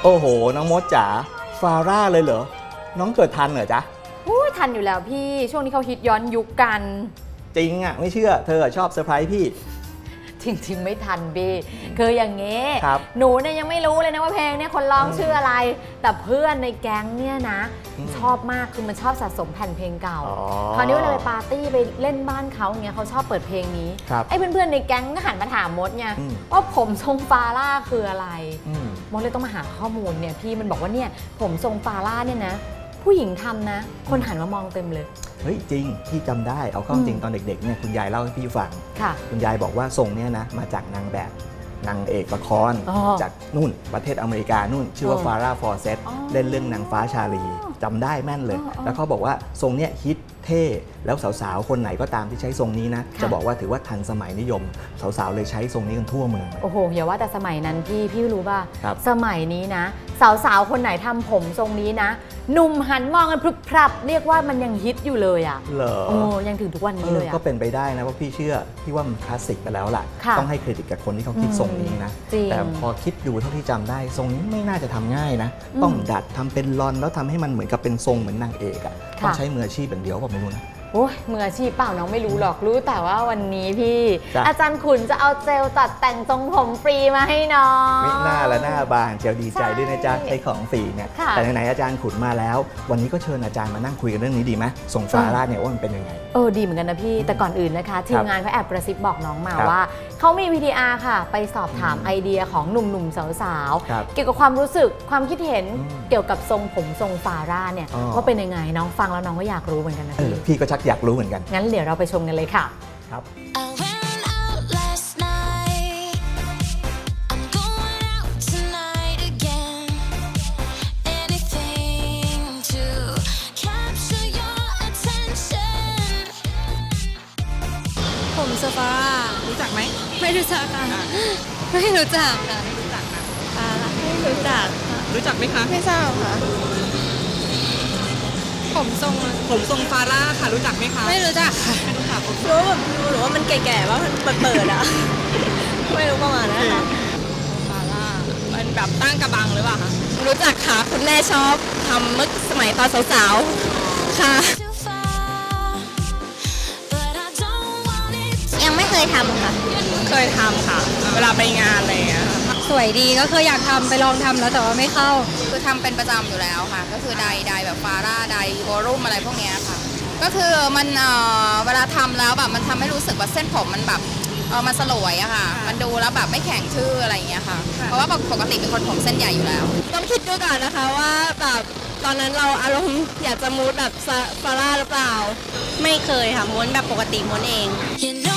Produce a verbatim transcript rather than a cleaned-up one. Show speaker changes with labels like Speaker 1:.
Speaker 1: โอ้โหน้องมดจ๋าฟาร่าเลยเหรอน้องเกิดทันเหรอจ๊ะ
Speaker 2: อุ้ยทันอยู่แล้วพี่ช่วงนี้เขาฮิตย้อนยุคกัน
Speaker 1: จริงอ่ะไม่เชื่อเธอชอบเซอร์ไพรส์พี่
Speaker 2: จริงๆไม่ทันพี่คืออย่างเงี้ยหนูเนี่ยยังไม่รู้เลยนะว่าเพลงเนี่ยคนร้องชื่ออะไรแต่เพื่อนในแก๊งเนี่ยนะชอบมากคือมันชอบสะสมแผ่นเพลงเก่าคราวนี้เวลาไปปาร์ตี้ไปเล่นบ้านเขาอย่างเงี้ยเขาชอบเปิดเพลงนี้ไอ้เพื่อนๆในแก๊งก็หันมาถามมดไงว่าผมทรงฟาร่าคืออะไรมดเลยต้องมาหาข้อมูลเนี่ยพี่มันบอกว่าเนี่ยผมทรงฟาร่าเนี่ยนะผู้หญิงทำนะคนหันมามองเต็มเลย
Speaker 1: เฮ้ยจริงพี่จำได้เอาเข้าจริงตอนเด็กๆเนี่ยคุณยายเล่าให้พี่ฟังคุณยายบอกว่าทรงเนี่ยนะมาจากนางแบบนางเอกละครจากนู่นประเทศอเมริกานู่นชื่อว่าฟาร่าฟอร์เซตเล่นเรื่องนางฟ้าชาลีจำได้แม่นเลยแล้วเขาบอกว่าทรงเนี้ยฮิตเท่แล้วสาวๆคนไหนก็ตามที่ใช้ทรงนี้นะจะบอกว่าถือว่าทันสมัยนิยมสาวๆเลยใช้ทรงนี้กันทั่วเมือง
Speaker 2: โอ้โหอย่าว่าแต่สมัยนั้นพี่พี่รู้ป่ะสมัยนี้นะสาวๆคนไหนทำผมทรงนี้นะหนุ่มหันมองกันพรึบพรับเรียกว่ามันยังฮิตอยู่เลยอ่ะ
Speaker 1: เหรอ
Speaker 2: โอ้ยังถึงทุกวันนี้เลยอ่ะ
Speaker 1: ก็เป็นไปได้นะเพราะพี่เชื่อพี่ว่ามันคลาสสิกไปแล้วล่ะต้องให้เครดิตกับคนที่เขาคิดทรงนี้นะแต่พอคิดดูเท่าที่จำได้ทรงนี้ไม่น่าจะทำง่ายนะต้องดัดทำเป็นลอนแล้วทำให้มันเหมือนกับเป็นทรงเหมือนนางเอกอ่ะต้องใช้มืออาชีพอย่างเดียวผมไม่รู้นะ
Speaker 2: โอ้ยมืออาชีพเปล่าน้องไม่รู้หรอกรู้แต่ว่าวันนี้พี่อาจารย์ขุนจะเอาเจลตัดแต่งทรงผมฟรีมาให้น้อง
Speaker 1: ไม่น่าละหน้าบานเจลดีใจด้วยนะจ๊ะใช้ของฟรีเนี่ยแต่ไหนๆอาจารย์ขุนมาแล้ววันนี้ก็เชิญอาจารย์มานั่งคุยกันเรื่องนี้ดีไหมทรงฟาร่าเนี่ยว่ามันเป็นยังไง
Speaker 2: เออดีเหมือนกันนะพี่แต่ก่อนอื่นนะคะทีมงานเขาแอบกระซิบบอกน้องมาว่าเขามี วี ที อาร์ ค่ะไปสอบถามไอเดียของหนุ่มๆสาวๆเกี่ยวกับความรู้สึกความคิดเห็นเกี่ยวกับทรงผมทรงฟาร่าเนี่ยว่าเป็นยังไงน้องฟังแล้วน้องก็อยากรู้เหมือนกันนะพี่
Speaker 1: พี่ก็ชักอยากรู้เหมือนกัน
Speaker 2: งั้นเดี๋ยวเราไปชมกันเลยค่ะ
Speaker 1: ครับ
Speaker 3: ผมเซฟาร่า
Speaker 4: รู้จักไหม
Speaker 3: ไม่รู้จักค่ะไม่รู้จักค่ะ
Speaker 4: ไม่รู้จักนะ
Speaker 3: ไม่รู้จัก
Speaker 4: รู้จักไหมคะ
Speaker 3: ไม่ทราบค่ะผมทรง
Speaker 4: ผมทรงฟาร่าค่ะรู้จักไหมคะ
Speaker 3: ไม่รู้จักค่ะ
Speaker 4: ไม่รู้จัก
Speaker 3: รู้แบบหรือว่ามันแก่ๆว่ามันเปิดๆอ่ะไม่รู้ประมาณนั้นค่ะ
Speaker 4: ฟาร่ามันแบบตั้งกระบังหรือเปล่าคะ
Speaker 3: รู้จักค่ะคุณแม่ชอบทำเมื่อสมัยตอนสาวๆค่ะยังไม่เคยทำค่ะ
Speaker 4: เคยทำค่ะเวลาไปงานอะไรอย่างเงี้ย
Speaker 3: สวยดีก็เคยอยากทำไปลองทำแล้วแต่ว่าไม่เข้า
Speaker 5: คือทำเป็นประจำอยู่แล้วค่ะก็คือไดไดแบบฟาร่าไดโวลุ่มอะไรพวกนี้ค่ะก็คือมันเอ่อเวลาทำแล้วแบบมันทำให้รู้สึกว่าเส้นผมมันแบบเออมันสลวยอะค่ะมันดูแล้วแบบไม่แข็งทื่ออะไรอย่างเงี้ยค่ะเพราะว่าปกติเป็นคนผมเส้นใหญ่อยู่แล้ว
Speaker 3: ต้องคิดดูก่อนนะคะว่าแบบตอนนั้นเราอารมณ์อยากจะมูดแบบฟาร่าหรือเปล่าไม่เคยค่ะม้วนแบบปกติม้วนเอง